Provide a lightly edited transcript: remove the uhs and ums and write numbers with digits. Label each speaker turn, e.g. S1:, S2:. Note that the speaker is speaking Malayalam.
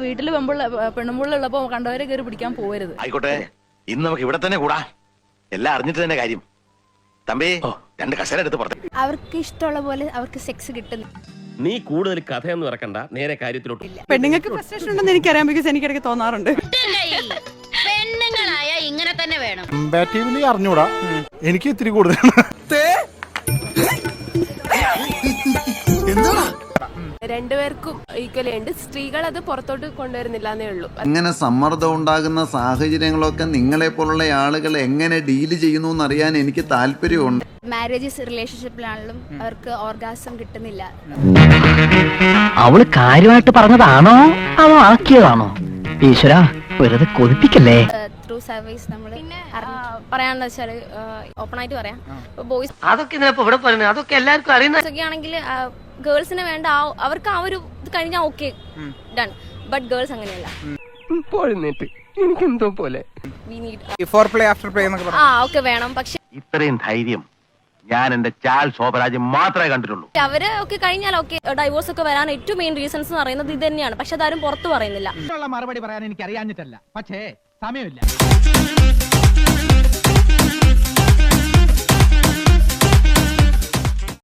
S1: വീട്ടിൽ പെണ്ണുമ്പുള്ളുള്ളപ്പോ കണ്ടവരെ കയറി പിടിക്കാൻ പോകരുത്.
S2: ആയിക്കോട്ടെ, ഇന്ന് നമുക്ക് ഇവിടെ തന്നെ കൂടാ. എല്ലാം അറിഞ്ഞിട്ട് തന്നെ കാര്യം. തമ്പി, 2 കസേര എടുത്ത് പുറത്ത്.
S3: അവർക്ക് ഇഷ്ടമുള്ള പോലെ അവർക്ക് സെക്സ് കിട്ടുന്നു.
S4: നീ കൂടുതൽ കഥയൊന്നും ഇറക്കണ്ട, നേരെ കാര്യത്തിലോട്ട്.
S5: പെണ്ണുങ്ങൾക്ക് ഫ്രസ്ട്രേഷൻ ഉണ്ടെന്ന് എനിക്കറിയാം, ബിക്കോസ് എനിക്കിടയ്ക്ക് തോന്നാറുണ്ട്.
S3: പെണ്ണുങ്ങളായ ഇങ്ങനെ തന്നെ വേണം.
S6: കമ്പാറ്റീവ്ലി അറിഞ്ഞൂടാ, എനിക്ക് ഇത്തിരി കൂടുതൽ.
S7: രണ്ടുപേർക്കും ഈക്വലി ഉണ്ട്. സ്ത്രീകൾ അത് പുറത്തോട്ട് കൊണ്ടുവരുന്നില്ല എന്നേ ഉള്ളൂ.
S8: അങ്ങനെ സമ്മർദ്ദം ഉണ്ടാകുന്ന സാഹചര്യങ്ങളൊക്കെ നിങ്ങളെ പോലുള്ള ആളുകൾ എങ്ങനെ ഡീല് ചെയ്യുന്നു എന്നറിയാൻ എനിക്ക് താല്പര്യമുണ്ട്.
S3: മാരേജസ് റിലേഷൻഷിപ്പിലാണെങ്കിലും അവർക്ക് ഓർഗാസം കിട്ടുന്നില്ല.
S9: അവള് കാര്യമായിട്ട് പറഞ്ഞതാണോ അതോ ആക്കിയതാണോ? ഈശ്വര, വെറുതെ കൊതിപ്പിക്കല്ലേ.
S3: ത്രൂ സർവീസ് നമ്മൾ പറയാന്ന് വെച്ചാൽ ഓപ്പൺ ആയിട്ട് പറയാം. ബോയ്സ്
S9: അതൊക്കെ ഇവിടെ പറയുന്നത് അതൊക്കെ എല്ലാവർക്കും അറിയുന്ന
S3: ഒക്കെ ആണെങ്കിൽ ഗേൾസിന് വേണ്ട അവർക്ക് ആ ഒരു ഇത് കഴിഞ്ഞാൽ ഓക്കെ ഡൺ. ബട്ട് ഗേൾസ് അങ്ങനെയല്ല.
S9: എനിക്കെന്തോ പോലെ
S3: ഓക്കെ വേണം. പക്ഷെ
S2: ഇത്രയും ധൈര്യം ഞാൻ എന്റെ ചാൽ ശോഭരാജ് മാത്രമേ കണ്ടിട്ടുള്ളൂ.
S3: അവര് ഒക്കെ കഴിഞ്ഞാൽ ഓക്കെ ഡൈവോഴ്സ് ഒക്കെ വരാൻ ഏറ്റവും മെയിൻ റീസൺസ് എന്ന് പറയുന്നത് ഇത് തന്നെയാണ്. പക്ഷെ അതാരും പുറത്ത് പറയുന്നില്ല.
S10: മറുപടി പറയാൻ എനിക്ക് അറിയാഞ്ഞിട്ടല്ല, പക്ഷേ സമയമില്ല.